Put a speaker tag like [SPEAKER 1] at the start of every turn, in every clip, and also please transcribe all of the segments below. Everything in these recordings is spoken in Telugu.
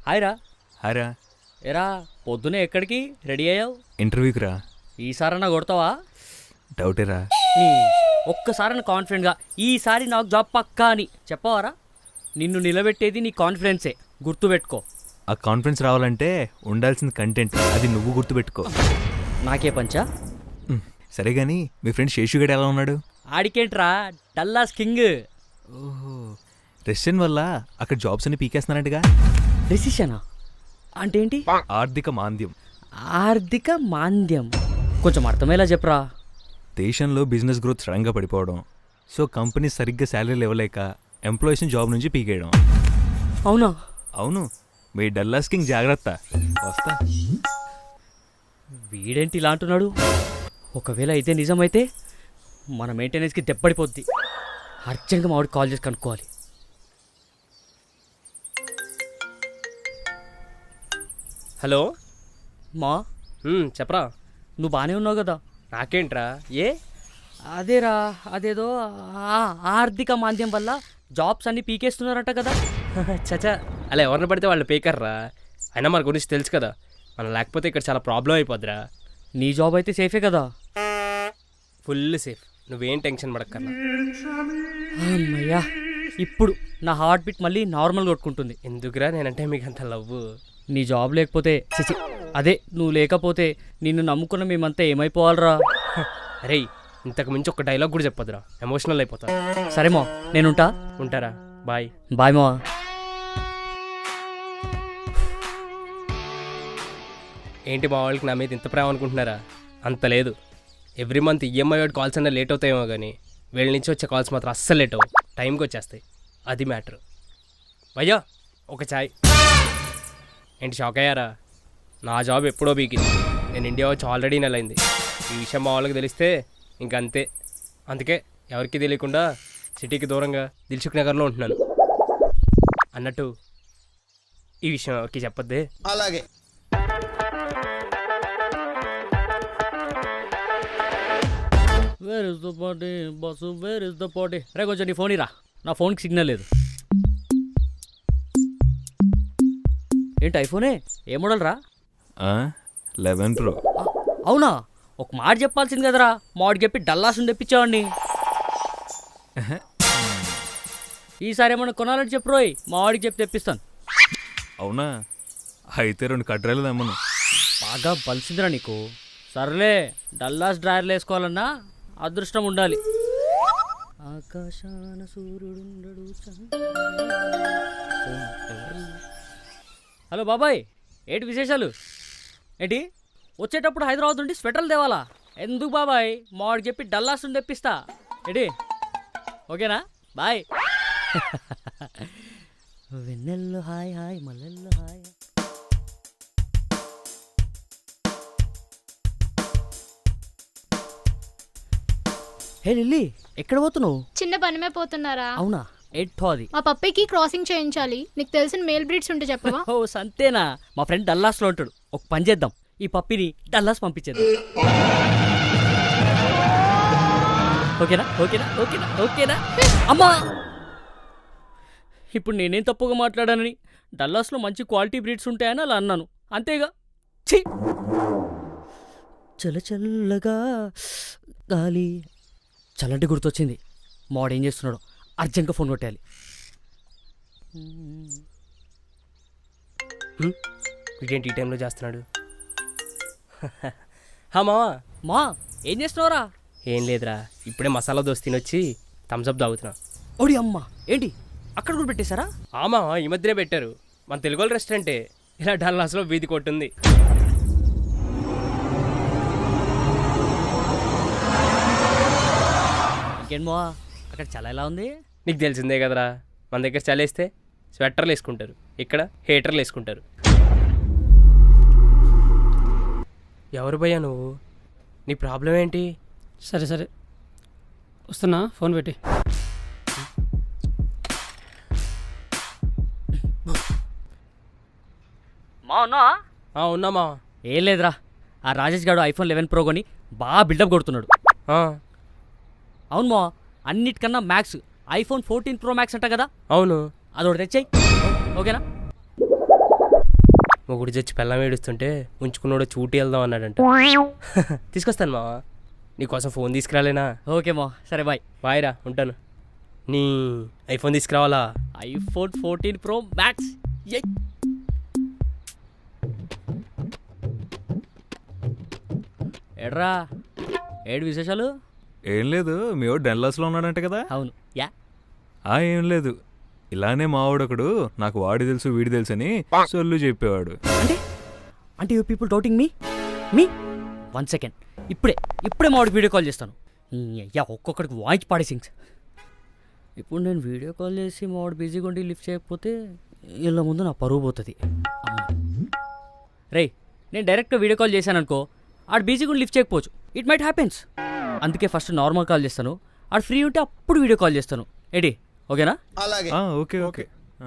[SPEAKER 1] హాయ్ రా.
[SPEAKER 2] హారా.
[SPEAKER 1] ఎరా పొద్దునే ఎక్కడికి రెడీ అయ్యావు?
[SPEAKER 2] ఇంటర్వ్యూకి రా.
[SPEAKER 1] ఈసారన్నా కొడతావా?
[SPEAKER 2] డౌటేరా.
[SPEAKER 1] ఒక్కసారన్నా కాన్ఫిడెంట్గా ఈసారి నాకు జాబ్ పక్కా అని చెప్పవారా? నిన్ను నిలబెట్టేది నీ కాన్ఫిడెన్సే, గుర్తుపెట్టుకో.
[SPEAKER 2] ఆ కాన్ఫిడెన్స్ రావాలంటే ఉండాల్సిన కంటెంట్, అది నువ్వు గుర్తుపెట్టుకో.
[SPEAKER 1] నాకే పంచా?
[SPEAKER 2] సరే కానీ మీ ఫ్రెండ్ శేషుగడ్ ఎలా ఉన్నాడు?
[SPEAKER 1] ఆడికేంట్రా, డల్లాస్ కింగ్.
[SPEAKER 2] ఓహో, రెసిషన్ వల్ల అక్కడ జాబ్స్ అన్ని పీకేస్తున్నారంటగా.
[SPEAKER 1] డెసిషనా అంటే ఏంటి?
[SPEAKER 2] ఆర్థిక మాంద్యం.
[SPEAKER 1] ఆర్థిక మాంద్యం కొంచెం అర్థమయ్యేలా చెప్పరా.
[SPEAKER 2] దేశంలో బిజినెస్ గ్రోత్ సడన్గా పడిపోవడం, సో కంపెనీ సరిగ్గా శాలరీలు ఇవ్వలేక ఎంప్లాయీస్ని జాబ్ నుంచి పీకేయడం.
[SPEAKER 1] అవునా?
[SPEAKER 2] అవును, మీ డల్లాస్ కింగ్ జాగ్రత్త. వస్తా.
[SPEAKER 1] వీడేంటి ఇలా అంటున్నాడు? ఒకవేళ అయితే నిజమైతే మన మెయింటెనెన్స్కి దెబ్బడిపోద్ది. అర్జెంట్గా మా వాడికి కాల్ చేసి కనుక్కోవాలి.
[SPEAKER 3] హలో
[SPEAKER 1] మా
[SPEAKER 3] చెప్పరా.
[SPEAKER 1] నువ్వు బాగానే ఉన్నావు కదా?
[SPEAKER 3] నాకేంట్రా? ఏ
[SPEAKER 1] అదేరా, అదేదో ఆర్థిక మాంద్యం వల్ల జాబ్స్ అన్ని పీకేస్తున్నారంట కదా.
[SPEAKER 3] చచా, అలా ఎవరిని పడితే వాళ్ళు పేకర్రా. అయినా మన గురించి తెలుసు కదా, మనం లేకపోతే ఇక్కడ చాలా ప్రాబ్లం అయిపోద్దిరా.
[SPEAKER 1] నీ జాబ్ అయితే సేఫే కదా?
[SPEAKER 3] ఫుల్ సేఫ్, నువ్వేం టెన్షన్ పడక్కర్లా.
[SPEAKER 1] అమ్మయ్యా, ఇప్పుడు నా హార్ట్ బీట్ మళ్ళీ నార్మల్ కొట్టుకుంటుంది.
[SPEAKER 3] ఎందుకురా నేనంటే మీకు అంత లవ్వు?
[SPEAKER 1] నీ జాబ్ లేకపోతే చిచి, అదే నువ్వు లేకపోతే నిన్ను నమ్ముకున్న మేమంతా ఏమైపోవాలరా.
[SPEAKER 3] అరే, ఇంతకు మించి ఒక డైలాగ్ కూడా చెప్పొద్దురా, ఎమోషనల్ అయిపోతా.
[SPEAKER 1] సరే మా, నేనుంటా.
[SPEAKER 3] ఉంటారా, బాయ్.
[SPEAKER 1] బాయ్ మా.
[SPEAKER 3] ఏంటి మా వాళ్ళకి నా మీద ఇంత ప్రేమ అనుకుంటున్నారా? అంత లేదు. ఎవ్రీ మంత్ ఈఎంఐ వాడి కాల్స్ అన్నా లేట్ అవుతాయేమో కానీ వీళ్ళ నుంచి వచ్చే కాల్స్ మాత్రం అస్సలు లేట్ అవ్వవు, టైంకి వచ్చేస్తాయి. అది మ్యాటర్. భయ్యా ఒక చాయ్. ఏంటి షాక్ అయ్యారా? నా జాబ్ ఎప్పుడో బీకింది. నేను ఇండియా వచ్చి ఆల్రెడీ నెలైంది. ఈ విషయం మా వాళ్ళకి తెలిస్తే ఇంకంతే. అందుకే ఎవరికి తెలియకుండా సిటీకి దూరంగా దిల్సుఖ్ నగర్లో ఉంటున్నాను. అన్నట్టు ఈ విషయం ఎవరికి చెప్పొద్దే.
[SPEAKER 4] అలాగే.
[SPEAKER 1] Where is the party boss, where is the party? రే కొంచెం నీ ఫోన్ ఇరా, నా ఫోన్కి సిగ్నల్ లేదు. ఏంటి ఐఫోనే? ఏ మోడల్ రా?
[SPEAKER 2] 11 Pro.
[SPEAKER 1] అవునా? ఒక మాట చెప్పాల్సింది కదరా, మాడికి చెప్పి డల్లాసుని తెప్పించావండి. ఈసారి ఏమన్నా కొనాలని చెప్పు రోయ్, మా వాడికి చెప్పి తెప్పిస్తాను.
[SPEAKER 2] అవునా? అయితే 2 కడ్రాలు తెమ్మను.
[SPEAKER 1] బాగా బలిసిందిరా నీకు. సర్లే, డల్లాస్ డ్రైవర్లు వేసుకోవాలన్నా అదృష్టం ఉండాలి. ఆకాశాన సూర్యుడుండడు. హలో బాబాయ్, ఏంటి విశేషాలు? ఏంటి వచ్చేటప్పుడు హైదరాబాద్ నుండి స్వెటర్లు తేవాలా? ఎందుకు బాబాయ్, మా వాడికి చెప్పి డల్లాస్ నుండి తెప్పిస్తా. ఏంటి ఓకేనా? బాయ్. వెన్నెల్లో హాయ్ హాయ్, మల్లెల్లో హాయ్. హే లిల్లీ, ఎక్కడ పోతున్నావు?
[SPEAKER 5] చిన్న పని మీద పోతున్నారా?
[SPEAKER 1] అవునా? ఎట్టో అది.
[SPEAKER 5] మా పప్పికి క్రాసింగ్ చేయించాలి. నీకు తెలిసిన మేల్ బ్రీడ్స్ ఉంటే చెప్పవా?
[SPEAKER 1] ఓ సంతేనా? మా ఫ్రెండ్ డల్లాస్లో ఉంటాడు. ఒక పని చేద్దాం, ఈ పప్పిని డల్లాస్ పంపించేద్దాం. ఓకేనా? ఓకేనా? ఓకేనా? ఓకేనా? అమ్మా, ఇప్పుడు నేనేం తప్పుగా మాట్లాడానని? డల్లాస్లో మంచి క్వాలిటీ బ్రీడ్స్ ఉంటాయని అలా అన్నాను, అంతేగా. ఛీ, చల్ల చల్లగా గాలి. చల్లంటి గుర్తొచ్చింది, మాడేం చేస్తున్నాడు? అర్జెంట్గా ఫోన్ కొట్టాలి.
[SPEAKER 3] వీడేంటి ఈ టైంలో చేస్తున్నాడు? మావా.
[SPEAKER 1] మా ఏం చేస్తున్నావురా?
[SPEAKER 3] ఏం లేదురా, ఇప్పుడే మసాలా దోశ తినొచ్చి థమ్స్అప్ తాగుతున్నా.
[SPEAKER 1] ఓడి అమ్మ, ఏంటి అక్కడ కూడా పెట్టేశారా?
[SPEAKER 3] ఆమా, ఈ మధ్యనే పెట్టారు. మన తెలుగు వాళ్ళ రెస్టారెంటే ఇలా డల్లాస్లో వీధి కొట్టుంది.
[SPEAKER 1] ఇంకేంమో, అక్కడ చల్ల ఎలా ఉంది?
[SPEAKER 3] నీకు తెలిసిందే కదరా, మన దగ్గర చలేస్తే స్వెటర్లు వేసుకుంటారు, ఇక్కడ హీటర్లు వేసుకుంటారు. ఎవరు భయ్యా నువ్వు? నీ ప్రాబ్లం ఏంటి?
[SPEAKER 6] సరే సరే వస్తున్నా, ఫోన్ పెట్టి.
[SPEAKER 1] మా ఉన్నా?
[SPEAKER 3] ఉన్నామా?
[SPEAKER 1] ఏం లేదురా, ఆ రాజేష్ గారు iPhone 11 Pro కొని బాగా బిల్డప్ కొడుతున్నాడు. అవును మా, అన్నిటికన్నా మ్యాక్స్ iPhone 14 Pro Max అంట కదా?
[SPEAKER 3] అవును.
[SPEAKER 1] అదొకటి తెచ్చాయి, ఓకేనా?
[SPEAKER 3] మొగుడు చచ్చి పెళ్ళం ఏడుస్తుంటే ఉంచుకున్నాడు చూటి వెళ్దాం అన్నాడంట. తీసుకొస్తాను మావా, నీకోసం ఫోన్ తీసుకురాలేనా?
[SPEAKER 1] ఓకే మా, సరే బాయ్.
[SPEAKER 3] బాయ్ రా, ఉంటాను. నీ ఐఫోన్ తీసుకురావాలా?
[SPEAKER 1] IPhone 14 Pro Max. యై. ఎడ్రా, ఏడు విశేషాలు?
[SPEAKER 2] ఏం లేదు, మీ వాడు డెన్లాస్లో ఉన్నాడంట కదా?
[SPEAKER 1] అవును. యా.
[SPEAKER 2] ఏం లేదు, ఇలానే మావాడొకడు నాకు వాడి తెలుసు వీడి తెలుసు అని సొల్లు చెప్పేవాడు.
[SPEAKER 1] అంటే you people doubting me 1 second. ఇప్పుడే మా వాడికి వీడియో కాల్ చేస్తాను. యా, ఒక్కొక్కడికి వాయిస్ పాడేసింగ్స్. ఇప్పుడు నేను వీడియో కాల్ చేసి మా వాడు బిజీగా ఉండి లిఫ్ట్ చేయకపోతే వీళ్ళ ముందు నా పరువు పోతుంది. రే, నేను డైరెక్ట్గా వీడియో కాల్ చేశాను అనుకో, ఆడు బిజీగా ఉండి లిఫ్ట్ చేయకపోవచ్చు. It might happens. అందుకే ఫస్ట్ నార్మల్ కాల్ చేస్తాను, ఆడు ఫ్రీ ఉంటే అప్పుడు వీడియో కాల్ చేస్తాను. ఏంటి, ఓకేనా?
[SPEAKER 4] అలాగే.
[SPEAKER 2] Okay okay.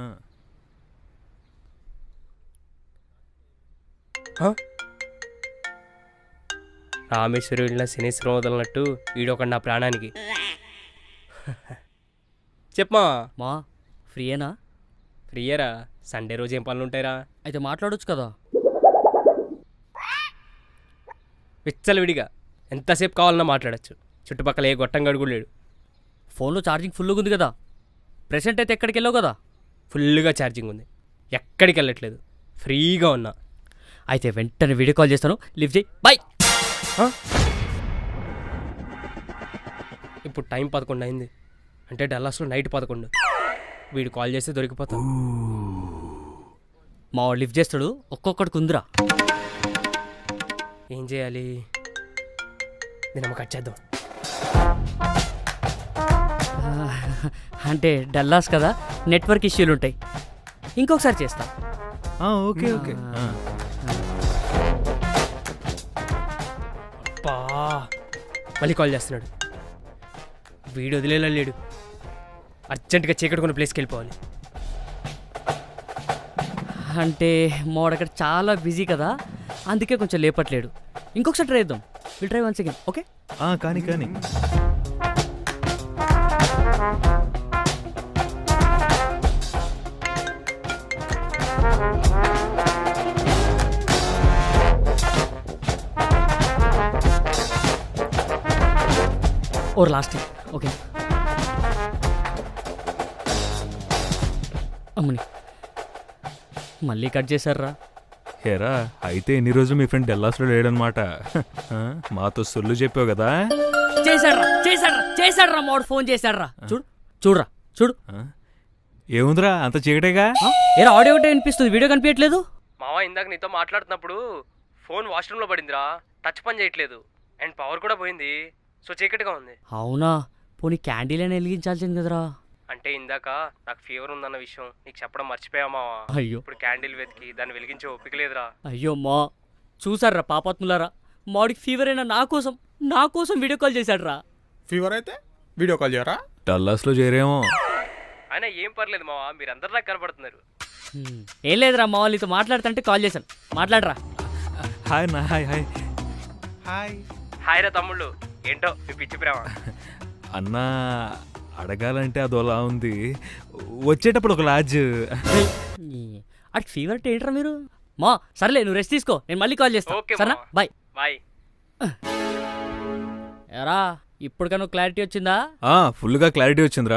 [SPEAKER 3] రామేశ్వరం వెళ్ళిన శనేశ్వరం వదలనట్టు వీడొకడు నా ప్రాణానికి. చెప్పమా.
[SPEAKER 1] మా ఫ్రీయేనా?
[SPEAKER 3] ఫ్రీయరా, సండే రోజు ఏం పనులు ఉంటాయిరా?
[SPEAKER 1] అయితే మాట్లాడొచ్చు కదా.
[SPEAKER 3] విచ్చలవిడిగా ఎంతసేపు కావాలన్నా మాట్లాడచ్చు. చుట్టుపక్కల ఏ గొట్టం గడుగు లేడు.
[SPEAKER 1] ఫోన్లో ఛార్జింగ్ ఫుల్గా ఉంది కదా. ప్రెసెంట్ అయితే ఎక్కడికి వెళ్ళావు కదా.
[SPEAKER 3] ఫుల్గా ఛార్జింగ్ ఉంది, ఎక్కడికి వెళ్ళట్లేదు, ఫ్రీగా ఉన్నా.
[SPEAKER 1] అయితే వెంటనే వీడియో కాల్ చేస్తాను, లిఫ్ట్ చేయి. బాయ్.
[SPEAKER 3] ఇప్పుడు టైం 11 అయింది, అంటే డల్లాస్లో నైట్ 11. వీడు కాల్ చేస్తే దొరికిపోతాం.
[SPEAKER 1] మా వాడు లిఫ్ట్ చేస్తాడు, ఒక్కొక్కడికి ఉందిరా.
[SPEAKER 3] ఏం చేయాలి? దీన్ని కట్ చేద్దాం.
[SPEAKER 1] అంటే డల్లాస్ కదా, నెట్వర్క్ ఇష్యూలు ఉంటాయి. ఇంకొకసారి చేస్తా.
[SPEAKER 2] Okay okay.
[SPEAKER 3] అబ్బా, మళ్ళీ కాల్ చేస్తున్నాడు. వీడు వదిలేలా లేడు. అర్జెంటుగా చీకటి ప్లేస్కి వెళ్ళిపోవాలి.
[SPEAKER 1] అంటే మావాడు అక్కడ చాలా బిజీ కదా, అందుకే కొంచెం లేపట్లేడు. ఇంకొకసారి ట్రై చేద్దాం. Will try once again. Okay.
[SPEAKER 2] కానీ
[SPEAKER 1] ఓర్ లాస్ట్. ఓకే. అమ్మని మళ్ళీ కట్ చేశారా?
[SPEAKER 2] హేరా, అయితే ఎన్ని రోజులు మీ ఫ్రెండ్ డెల్లాస్లో లేడనమాట. మాతో సొల్లు చెప్పావు కదా.
[SPEAKER 1] చేశాడ్రా మావాడు, ఫోన్ చేశాడ్రా. చూడు.
[SPEAKER 2] ఏముందిరా, అంత చీకటేగా.
[SPEAKER 1] ఏరా, ఆడియో ఒకటే వినిపిస్తుంది, వీడియో కనిపించట్లేదు.
[SPEAKER 3] మావా, ఇందాక నీతో మాట్లాడుతున్నప్పుడు ఫోన్ వాష్రూమ్లో పడిందిరా, టచ్ పని చేయట్లేదు, అండ్ పవర్ కూడా పోయింది. సో చీకటిగా ఉంది.
[SPEAKER 1] అవునా? పోనీ క్యాండిల్ అయినా వెలిగించాల్సింది కదరా.
[SPEAKER 3] అంటే ఇందాక నాకు ఫీవర్ ఉందన్న విషయం నీకు చెప్పడం మర్చిపోయామావా.
[SPEAKER 1] అయ్యో,
[SPEAKER 3] ఇప్పుడు క్యాండిల్ వెతికి దాన్ని వెలిగించే ఓపిక లేదురా.
[SPEAKER 1] అయ్యో మా, చూసారా పాపాత్ములారా, మాడికి ఫీవర్ అయినా నా కోసం వీడియో కాల్ చేశాడ్రా.
[SPEAKER 4] ఫీవర్ అయితే వీడియో కాల్ చేయరా?
[SPEAKER 2] డల్లాస్లో చేరేమో.
[SPEAKER 3] అయినా ఏం పర్లేదు మావా, మీరందరూ నాకు కనపడుతున్నారు.
[SPEAKER 1] ఏం లేదురా, మా వాళ్ళతో మాట్లాడుతుంటే కాల్ చేశాను, మాట్లాడరా.
[SPEAKER 2] హాయ్ నా. హాయ్.
[SPEAKER 3] హాయ్ రా తమ్ముళ్ళు, ఏంటో మీ పిచ్చి ప్రేమ.
[SPEAKER 2] అన్నా, అడగాలంటే అదోలా ఉంది, వచ్చేటప్పుడు ఒక లాడ్జ్.
[SPEAKER 1] అటు ఫీవర్ అంటే ఏంట్రా మీరు? మా సర్లే, నువ్వు రెస్ట్ తీసుకో, నేను మళ్ళీ కాల్ చేస్తాను.
[SPEAKER 3] ఓకే
[SPEAKER 1] సరేనా? బాయ్.
[SPEAKER 3] బాయ్.
[SPEAKER 1] ఎరా, ఇప్పటికన్నా క్లారిటీ వచ్చిందా?
[SPEAKER 2] ఫుల్గా క్లారిటీ వచ్చిందిరా.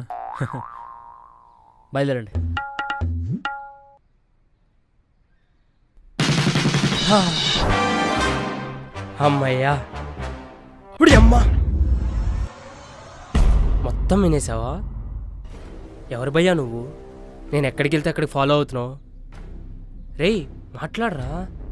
[SPEAKER 1] బయలుదేరండి.
[SPEAKER 3] అమ్మయ్యా, ఇప్పుడు అమ్మా మొత్తం వినేసావా? ఎవరు భయ్యా నువ్వు? నేను ఎక్కడికి వెళ్తే అక్కడికి ఫాలో అవుతున్నావు? రేయ్ మాట్లాడరా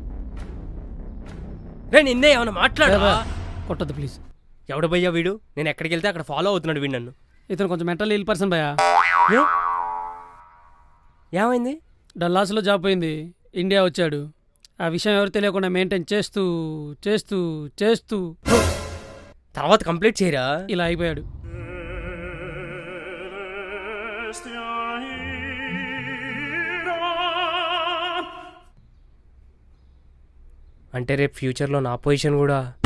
[SPEAKER 3] రే, నిన్నే ఏమన్నా మాట్లాడరా?
[SPEAKER 6] కొట్టద్దు ప్లీజ్.
[SPEAKER 3] ఎవడు భయ్యా వీడు? నేను ఎక్కడికి వెళ్తే అక్కడ ఫాలో అవుతున్నాడు వీడు నన్ను.
[SPEAKER 6] ఇతను కొంచెం మెంటల్ ఇల్ పర్సన్ భయ్యా.
[SPEAKER 3] ఏమైంది?
[SPEAKER 6] డల్లాస్లో జాబ్ పోయింది, ఇండియా వచ్చాడు. ఆ విషయం ఎవరు తెలియకుండా మెయింటైన్ చేస్తూ చేస్తూ చేస్తూ
[SPEAKER 3] తర్వాత కంప్లీట్ చేయరా?
[SPEAKER 6] ఇలా అయిపోయాడు.
[SPEAKER 3] అంటే రేపు ఫ్యూచర్లో నా పొజిషన్ కూడా